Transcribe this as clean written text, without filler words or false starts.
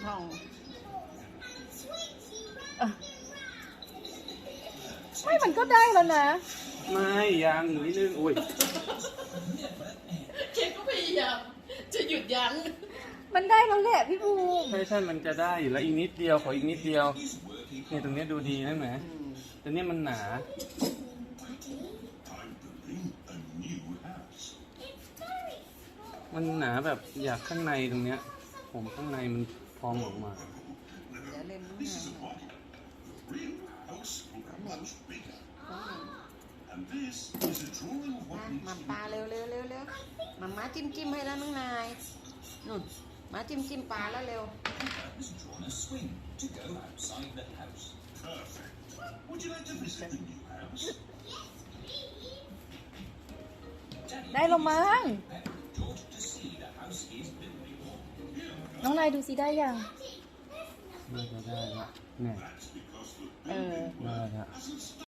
ช่องไม่มันก็ได้แล้วนะไม่ยังนิดนึงโอ้ยเคก็พยายามจะหยุดยั้งมันได้แล้วแหละพี่ภูมิใช่มันจะได้อยู่แล้วอีกนิดเดียวขออีกนิดเดียวเนี่ยตรงนี้ดูดีนะแหมแต่เนี่ยมันหนามันหนาแบบอยากข้างในตรงเนี้ยผมข้างในมันพองออกมาเดี๋ยวเล่นน้ำมันปลาเร็วมาม้าจิ้มให้แล้วน้องนายนุ่นมาจิ้มปลาแล้วเร็วได้แล้วมั้งน้องนายดูสิได้ยังน่าจะได้ละเนี่ยได้ละ